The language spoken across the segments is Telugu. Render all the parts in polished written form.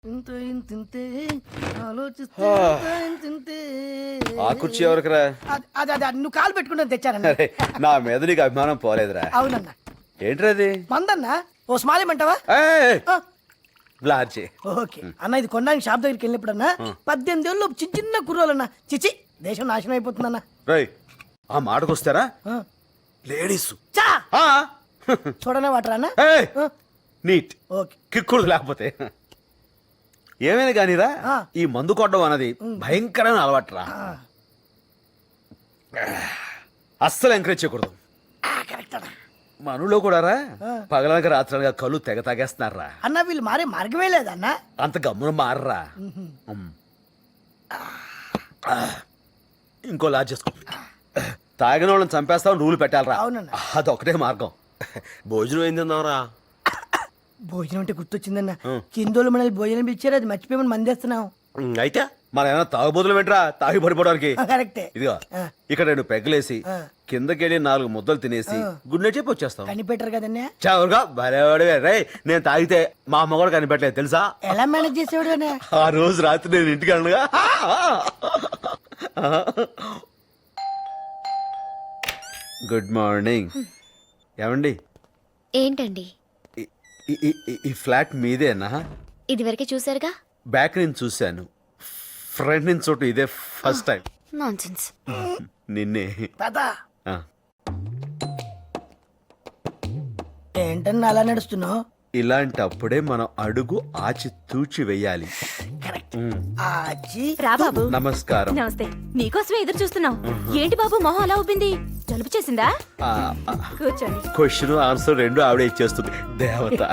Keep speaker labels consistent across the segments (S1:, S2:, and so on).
S1: ఆ కుర్చీ ఎవరికిరా?
S2: నువ్వు కాలు పెట్టుకుంటే తెచ్చానన్న.
S1: అరే, నా మీద నీకు అభిమానం పోలేదురా.
S2: అవునన్నా.
S1: ఏంట్రా అది?
S2: మందన్నా ఓ స్మాల్ ఇమ్మంటావా?
S1: ఏయ్, బ్లార్జీ.
S2: ఓకే అన్న, ఇది కొనడానికి షాప్ దగ్గరికి వెళ్ళినప్పుడు అన్న 18 ఏళ్ళు చిన్న చిన్న కుర్రోలన్నా చిచి దేశం నాశనం అయిపోతుందన్న.
S1: రేయ్, ఆ మాటకు వస్తారా లేడీస్
S2: చా చూడనే వాటరా అన్న.
S1: నీట్
S2: ఓకే
S1: కిక్కుడు లేకపోతే ఏమైనా కానీరా, ఈ మందు కొట్టడం అన్నది భయంకరమైన అలవాటురా. అస్సలు ఎంకరేజ్ చేయకూడదు.
S2: కరెక్ట్ అన్న.
S1: మనలో కూడా రా పగలనక రాత్రనగా కళ్ళు తెగ తాగేస్తున్నారా.
S2: అన్న వీళ్ళు మారే మార్గమే లేదన్న.
S1: అంత గమ్మున మారరా. ఇంకో లాజ్ చేసుకో. తాగిన వాళ్ళని చంపేస్తామని రూల్ పెట్టాలరా.
S2: అవునన్న.
S1: అదొకటే మార్గం. భోజనం ఏం తిన్నావురా?
S2: భోజనం అంటే గుర్తొచ్చిందన్న. కిందోళ్ళు మనల్ని భోజనం ఇచ్చారు, అది మర్చిపోయి మందేస్తున్నాం.
S1: అయితే మన ఏమైనా తాగుబోతులు వెంట్రా తాగి పడిపోవడానికి.
S2: కరెక్టే.
S1: ఇదిగో ఇక్కడ 2 పెగ్గలేసి కిందకెళ్ళి 4 ముద్దలు తినేసి గుడ్ నైట్ చెప్పి వచ్చేస్తాం.
S2: కనిపెట్టరు కదన్నా.
S1: చావుగా భలేవాడివే. రే, నేను తాగితే మా అమ్మ కూడా కనిపెట్టలేదు తెలుసా?
S2: ఎలా మేనేజ్ చేసేవాడు అన్న?
S1: ఆ రోజు రాత్రి నేను ఇంటికి అనగా గుడ్ మార్నింగ్. ఏమండి?
S3: ఏంటండి?
S1: ఈ ఫ్లాట్ మీదేనా?
S3: ఇదివరకే చూసారుగా.
S1: బ్యాక్ నుంచి చూశాను, ఫ్రంట్ నుంచి చోటు ఇదే ఫస్ట్ టైం.
S3: నాన్సెన్స్.
S1: నిన్నే. ఆ.
S2: ఏంటన్నా అలా నడుస్తున్నావు?
S1: ఇలాంటప్పుడే మనం అడుగు ఆచి తూచి వెయ్యాలి.
S3: రా బాబు.
S1: నమస్కారం.
S3: నమస్తే. నీకోసమే ఎదురు చూస్తున్నాం. ఏంటి బాబు మొహం అలా ఉబ్బింది? జలుబు చేసిందా? కూర్చోండి.
S1: క్వశ్చన్ ఆన్సర్ 2 ఆవిడ ఇచ్చేస్తుంది. దేవత.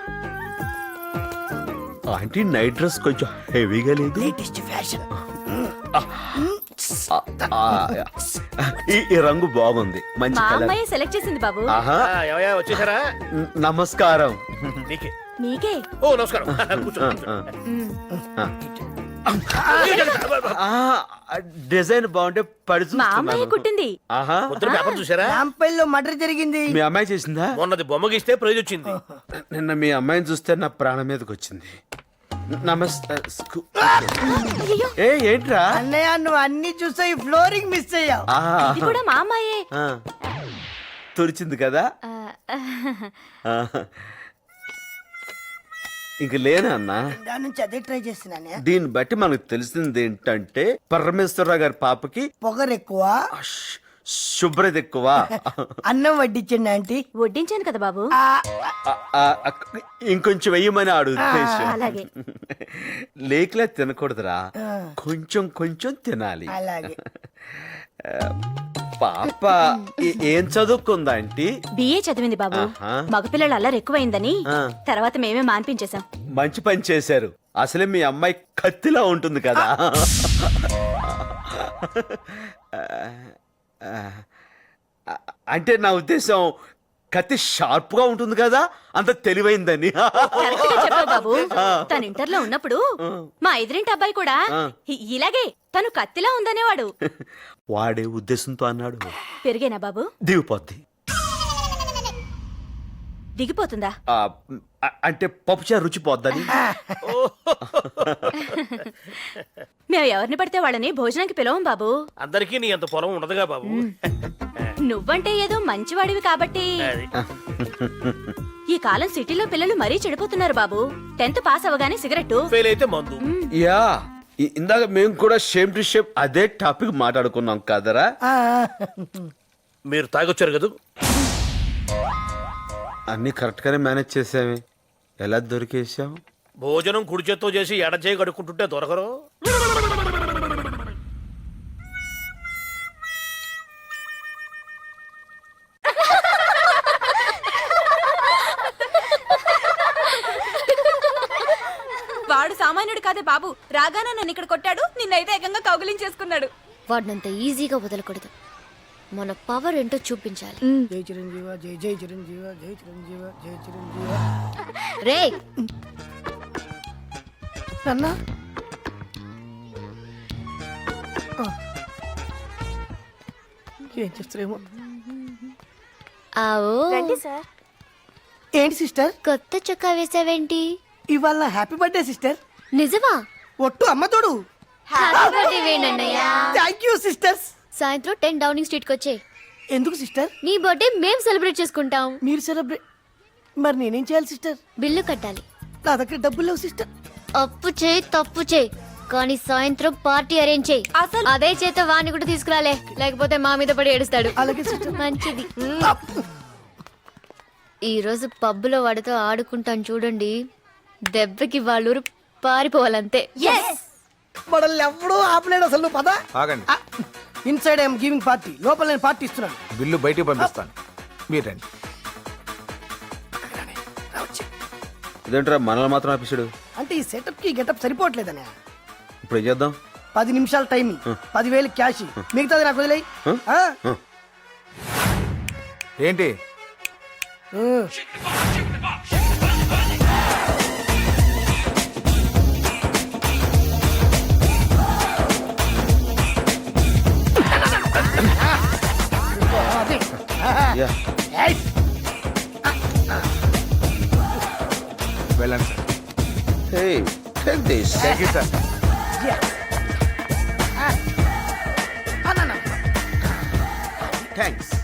S1: ఆంటీ నైట్ డ్రెస్ కొంచెం హెవీగా లేదు?
S2: Latest fashion.
S1: ఈ రంగు బాగుంది, మంచి
S3: మా
S1: కలర్.
S3: అమ్మాయి సెలెక్ట్ చేసింది బాబు.
S1: ఆహా,
S4: వచ్చేసారా?
S1: నమస్కారం.
S3: నీకే.
S4: ఓ నమస్కారం.
S1: డిజైన్ బాగుంటే పడి
S3: మా అమ్మాయి
S1: చూస్తున్నాను.
S3: కుట్టింది.
S1: ఆహా,
S4: పొద్దున పేపర్ చూసారా?
S2: రాంపల్లిలో మర్డర్ జరిగింది.
S1: మీ అమ్మాయి చేసిందా?
S4: మొన్నది బొమ్మ గీస్తే ప్రైజ్ వచ్చింది.
S1: నిన్న మీ అమ్మాయిని చూస్తే నా ప్రాణం మీదకి వచ్చింది. నమస్తే. ఏ ఏంట్రా?
S2: అన్నయ్య నువ్వు అన్ని చూసావు, ఈ ఫ్లోరింగ్ మిస్ అయ్యావు.
S3: ఇది కూడా మా అమ్మాయే.
S1: తురిచింది కదా. ఇంక లేనా అన్నా?
S2: దాని నుంచి అదే ట్రై చేస్తున్నాను.
S1: దీన్ని బట్టి మనకు తెలిసింది ఏంటంటే పరమేశ్వరరావు గారి పాపకి
S2: పొగరు ఎక్కువ,
S1: శుభ్రత ఎక్కువ.
S2: అన్నం వడ్డించండి ఆంటీ.
S3: వడ్డించాను కదా బాబు.
S1: ఇంకొంచెం వెయ్యమని ఆడు ఉద్దేశం.
S3: అలాగే.
S1: లేకలే తినకూడదురా, కొంచెం కొంచెం తినాలి.
S2: అలాగే.
S1: పాప ఏం చదువుకుందా ఆంటీ?
S3: బిఏ చదివింది బాబు. మగపిల్లలు అల్లరి ఎక్కువైందని తర్వాత మేమే మాన్పించేశాం.
S1: మంచి పని చేశారు. అసలే మీ అమ్మాయి కత్తిలా ఉంటుంది కదా. అంటే నా ఉద్దేశం కత్తి షార్ప్ గా ఉంటుంది కదా, అంత తెలివైందని.
S3: కరెక్ట్ గా చెప్పావు బాబు. తను ఇంటర్లో ఉన్నప్పుడు మా ఎదురింటి అబ్బాయి కూడా ఇలాగే తను కత్తిలా ఉందనేవాడు.
S1: వాడే ఉద్దేశంతో అన్నాడు.
S3: పెరిగేనా బాబు?
S1: దిగిపోద్ది.
S3: దిగిపోతుందా?
S1: అంటే పప్పుచారు రుచి పోద్దని.
S3: మేము ఎవరిని పడితే వాళ్ళని భోజనానికి పిలవం బాబు.
S4: అందరికీ నీ అంత పొలం ఉండదుగా బాబు.
S3: నువ్వంటే ఏదో మంచివాడివి కాబట్టి. ఈ కాలం సిటీలో పిల్లలు మరీ చెడిపోతున్నారు బాబు. 10th పాస్ అవగానే సిగరెట్,
S4: ఫెయిల్ అయితే మందు.
S1: యా, ఇందాక మేము కూడా షేమ్ టు షేమ్ అదే టాపిక్ మాట్లాడుకున్నాం కదరా.
S4: మీరు తాగొచ్చారు కదా.
S1: అన్ని కరెక్ట్ గానే మేనేజ్ చేసామే. ఎలా దొరికేసాం?
S4: భోజనం కుడి చేత్తో చేసి ఎడ చేయి కడుక్కుంటుంటే దొరకరు.
S3: వాడు సామాన్యుడు కాదే బాబు. రాగానే నన్ను ఇక్కడ కొట్టాడు, నిన్నైతే ఏకంగా కౌగిలించేసుకున్నాడు.
S5: వాడినంత ఈజీగా వదలకూడదు. మన పవర్ ఏంటో చూపించాలి.
S2: జై చిరంజీవ, జై జై చిరంజీవ, జై చిరంజీవ, జై చిరంజీవ.
S5: రే
S2: అన్నా ఏం చేస్తారేమో.
S5: ఆవో.
S2: ఏంటి సిస్టర్
S5: కొత్త చొక్కా వేసావేంటి?
S2: ఇవాళ హ్యాపీ బర్త్డే సిస్టర్.
S5: నిజమా?
S2: ఒట్టు అమ్మ తోడు.
S5: హ్యాపీ బర్త్డే వేణన్నయ్య.
S2: Thank you sisters.
S5: సాయంత్రం 10 డౌనింగ్ స్ట్రీట్ కి వచ్చే.
S2: ఎందుకు సిస్టర్?
S5: నీ బర్త్డే మేం సెలబ్రేట్ చేసుకుంటాం.
S2: మీరు సెలబ్రేట్, మరి నేనేం చేయాలి సిస్టర్?
S5: బిల్లు కట్టాలి.
S2: నా దగ్గర డబ్బులు లేవు సిస్టర్.
S5: అప్పు చేయి తప్పు చేయి, కానీ సాయంత్రం పార్టీ అరేంజ్ చేయి. అసలు అదే చేత వాణ్ణి కూడా తీసుకురాలే, లేకపోతే మా మీద పడి ఏడుస్తాడు.
S2: అలాగే సిస్టర్.
S5: మంచిది. ఈ రోజు పబ్బులో వాడితో ఆడుకుంటాను చూడండి, దెబ్బకి వాళ్ళూరు పారిపోవాలంతే.
S2: మనల్ని ఎవడూ ఆపలేడు అసలు. నువ్వు పద.
S6: ఆగండి.
S2: ఇన్సైడ్ ఐఎమ్ గివింగ్ పార్టీ, లోపల నేను పార్టీ ఇస్తున్నాను.
S6: బిల్లు బయటికి పంపిస్తాను, మీరు రండి.
S1: ఇదేంట్రా మనల్ని మాత్రం ఆపిస్తాడు?
S2: అంటే ఈ సెటప్ కి గెటప్ సరిపోవట్లేదనే.
S1: ఇప్పుడు ఏం చేద్దాం?
S2: 10 నిమిషాలు టైం, 10,000 క్యాష్, మిగతాది నాకు వదిలేయి.
S6: ఏంటి?
S1: యా.
S6: వెళ్ళండి sir.
S1: Hey, take this.
S6: Thank you sir.
S1: Thanks.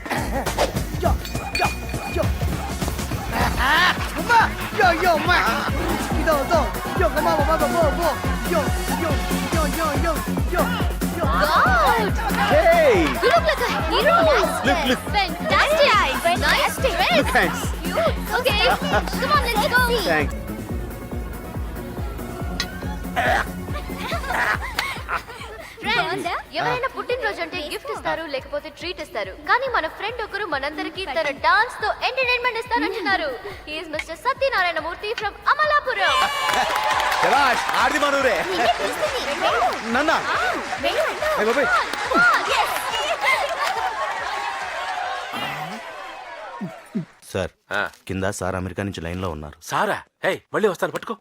S1: Hey,
S5: You look like a hero.
S1: look.
S5: Fantastic. Nice dress.
S1: Thanks.
S5: Okay, come on, let's go.
S1: Thanks.
S5: Friends, ఎవరైనా పుట్టినరోజు అంటే గిఫ్ట్ ఇస్తారు, లేకపోతే ట్రీట్ ఇస్తారు. కానీ మన ఫ్రెండ్ ఒకరు మనందరికి తన డాన్స్ తో ఎంటర్టైన్మెంట్ ఇస్తానంటున్నారు. He is mister Satyanarayana Murthy from Amalapuram.
S1: శభాష్, ఆర్ది మనూరే. నన్నా. ఏ బాబాయ్.
S7: సార్, కింద సార్ అమెరికా నుంచి లైన్లో ఉన్నారు.
S4: సారా? హే, మళ్ళీ వస్తాను, పట్టుకో.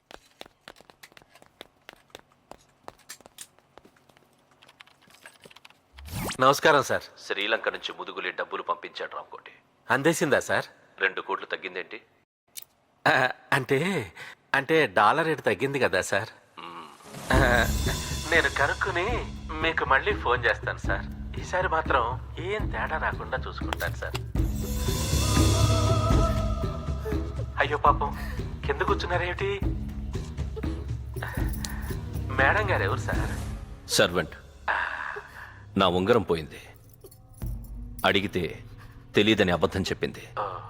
S4: నమస్కారం సార్. శ్రీలంక నుంచి ముదుగులి డబ్బులు పంపించాడు రామ్కోటి. అందేసిందా సార్? 2 కోట్లు తగ్గిందేంటి? అంటే అంటే డాలర్ రేటు తగ్గింది కదా సార్. నేను కనుక్కుని మీకు మళ్ళీ ఫోన్ చేస్తాను సార్. ఈసారి మాత్రం ఏం తేడా రాకుండా చూసుకుంటాను సార్. అయ్యో పాపం, కింద కూర్చున్నారేమిటి? మేడం గారు ఎవరు సార్? సర్వెంట్. నా ఉంగరం పోయింది, అడిగితే తెలియదని అబద్ధం చెప్పింది.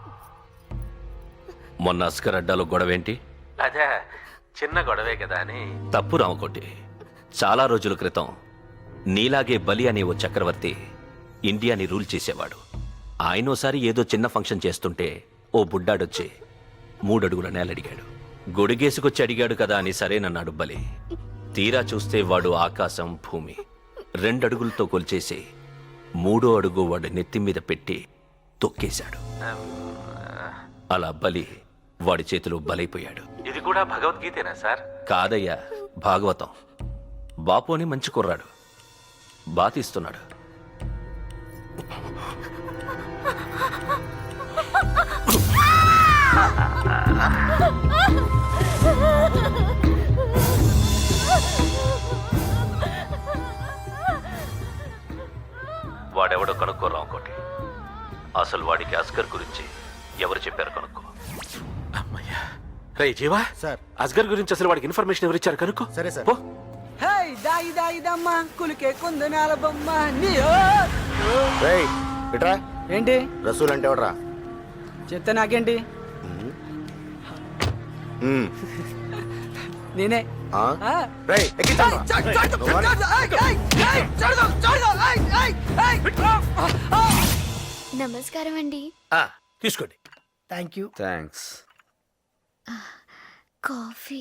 S4: మొన్న అస్కర్ అడ్డాలో గొడవేంటి? అదే చిన్న గొడవే కదా అని. తప్పు రామకోటి. చాలా రోజుల క్రితం నీలాగే బలి అనే ఓ చక్రవర్తి ఇండియాని రూల్ చేసేవాడు. ఆయనోసారి ఏదో చిన్న ఫంక్షన్ చేస్తుంటే ఓ బుడ్డాడొచ్చి 3 అడుగుల నేలడిగాడు. గొడిగేసుకొచ్చి అడిగాడు కదా అని సరేనన్నాడు బలి. తీరా చూస్తే వాడు ఆకాశం భూమి 2 అడుగులతో కొల్చేసి 3వ అడుగు వాడి నెత్తి మీద పెట్టి తొక్కేశాడు. అలా బలి వాడి చేతిలో బలైపోయాడు. ఇది కూడా భగవద్గీతేనా సార్? కాదయ్యా, భాగవతం. బాపు అని మంచి కుర్రాడు, బాతిస్తున్నాడు. వాడెవడో కనుక్కోరా ఇంకోటి. అసలు వాడికి అస్గర్ గురించి ఎవరు చెప్పారు కనుక్కో. అమ్మయ్యా. రే జీవా
S7: సార్.
S4: అస్గర్ గురించి అసలు వాడికి ఇన్ఫర్మేషన్ ఎవరు ఇచ్చారు కనుక్కో.
S7: సరే సార్.
S4: పో.
S8: హేయ్ దాయి దాయి దమ్మ కులికే కొందనాల బొమ్మ నీ
S7: రేయ్, ఇట్రా.
S8: ఏంటి
S7: రసూల్ అంటే ఎవడరా?
S8: చెప్తే నాకేంటి? నేనే.
S7: ఆ?
S8: ఆ.
S7: రేయ్, ఎక్కించండ్రా.
S5: నమస్కారం అండి.
S4: తీసుకోండి.
S2: Thank you.
S1: థ్యాంక్స్.
S5: కాఫీ.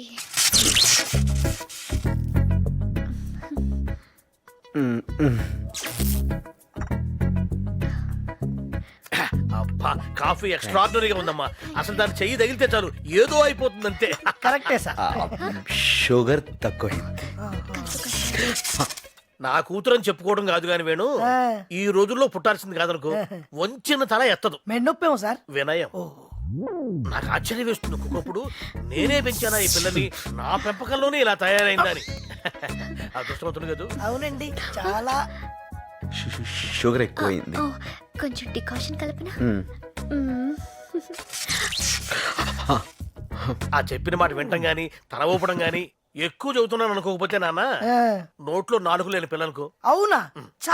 S4: అబ్బా, కాఫీ ఎక్స్ట్రాడినరీగా ఉందమ్మా. అసలు దాన్ని చెయ్యి తగిలితే చాలు ఏదో అయిపోతుందంతే.
S2: కరెక్టే సార్.
S1: షుగర్ తక్కువైంది.
S4: నా కూతురని చెప్పుకోవడం కాదు కాని వేణు, ఈ రోజుల్లో పుట్టాల్సింది కాదనుకో. వంచిన తల ఎత్తదు.
S2: మెడ నొప్పేమో సార్.
S4: వినయం.
S9: నాకు ఆశ్చర్యం వేస్తుంది ఒక్కొక్కప్పుడు నేనే పెంచానా ఈ పిల్లని నా పెంపకంలోనే ఇలా తయారైందని. అదృష్టవంతుడు కదా.
S2: అవునండి చాలా.
S1: షుగర్ ఎక్కువైంది.
S5: కొంచెం డికాషన్ కలపనా?
S9: ఆ చెప్పిన మాట వింటం గాని తల ఊపడం గాని ఎక్కువ చదువుతున్నాను అనుకోకపోతే నాన్న
S2: ఆ,
S9: నోట్లో నాలుగు లేని పిల్లలకు
S2: అవునా చా.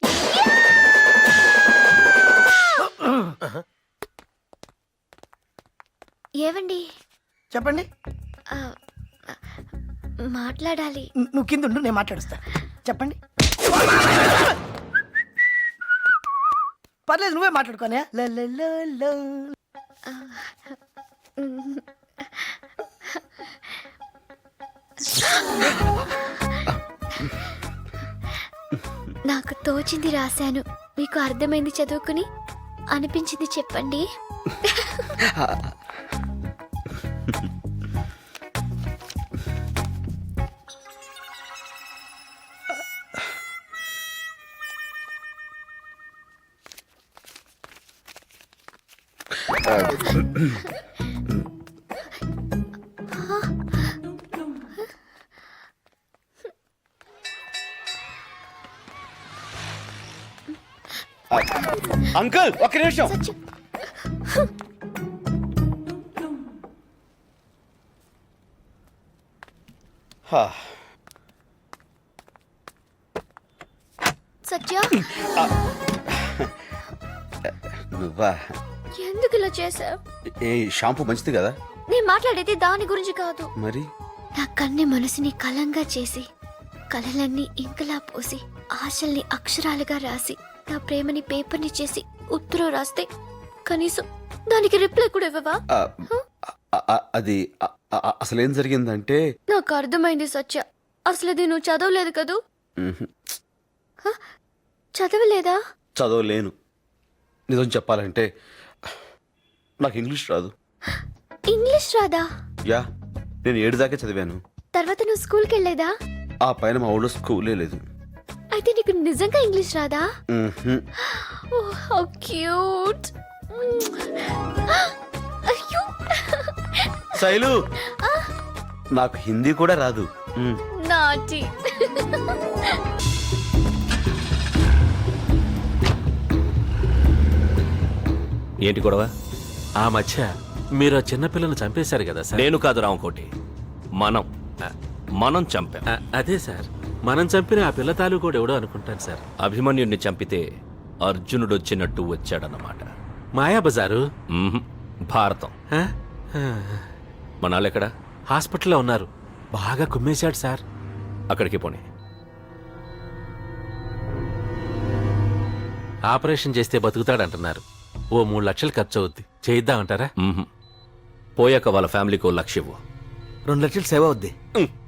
S5: ఏవండి
S2: చెప్పండి.
S5: ఆ, మాట్లాడాలి.
S2: నువ్వు కింద ఉండు, నేను మాట్లాడుస్తా. చెప్పండి. పర్లేదు, నువ్వే మాట్లాడుకోనే.
S5: నాకు తోచింది రాశాను, మీకు అర్థమైంది చదువుకుని, అనిపించింది చెప్పండి.
S1: అంకుల్ ఒక్క నిమిషం.
S5: సత్యం,
S1: హా,
S5: సత్య,
S1: నువ్వా?
S5: ఎందుకు ఇలా చేసావు?
S1: ఏ షాంపూ మంచిది కదా?
S5: నేను మాట్లాడేది దాని గురించి కాదు.
S1: మరి
S5: నా కన్ని మనసుని కలంగా చేసి, కలలన్నీ ఇంకలా పోసి, ఆశల్ని అక్షరాలుగా రాసి, నా ప్రేమని పేపర్ని చేసి ఉత్తరం రాస్తే కనీసం దానికి రిప్లై కూడా ఇవ్వవా?
S1: అది అసలేం జరిగిందంటే
S5: నాకు అర్థమైంది సత్య, అసలు అది నువ్వు చదవలేదు కదూ? చదవలేదా?
S1: చదవలేను. నిజం చెప్పాలంటే నాకు ఇంగ్లీష్ రాదు.
S5: ఇంగ్లీష్ రాదా?
S1: యా, నేను 7 దాకా చదివాను.
S5: తర్వాత నువ్వు స్కూల్కి వెళ్ళేదా?
S1: ఆ పైన మా ఊళ్ళో స్కూలే లేదు.
S5: అయితే నీకు నిజంగా ఇంగ్లీష్ రాదా?
S1: మ్మ్హ్మ్.
S5: Oh how cute. అయ్యో,
S1: శైలు, నాకు హిందీ కూడా రాదు.
S5: నాటి.
S4: ఏంటి గొడవ?
S10: ఆ మధ్య మీరు ఆ చిన్నపిల్లను చంపేశారు కదా సార్.
S4: నేను కాదు రామకోటి, మనం చంపాం.
S10: అదే సార్, మనం చంపిన ఆ పిల్ల తాలూకోడు ఎవడో అనుకుంటాను సార్.
S4: అభిమన్యుణ్ణి చంపితే అర్జునుడు వచ్చినట్టు వచ్చాడన్నమాట.
S10: మాయాబజారు.
S4: మ్మ్హ్. భారతం.
S10: ఆ? ఆ.
S4: మనాళ్ళెక్కడా?
S10: హాస్పిటల్లో ఉన్నారు. బాగా కుమ్మేశాడు సార్.
S4: అక్కడికి పోనీ.
S10: ఆపరేషన్ చేస్తే బతుకుతాడంటున్నారు. ఓ 3 లక్షలు ఖర్చు అవుద్ది. చేయిద్దామంటారా?
S4: మ్మ్హ్. పోయాక వాళ్ళ ఫ్యామిలీకి 1 లక్ష ఇవ్వు.
S6: 2 లక్షలు సేవ్ అవుద్ది.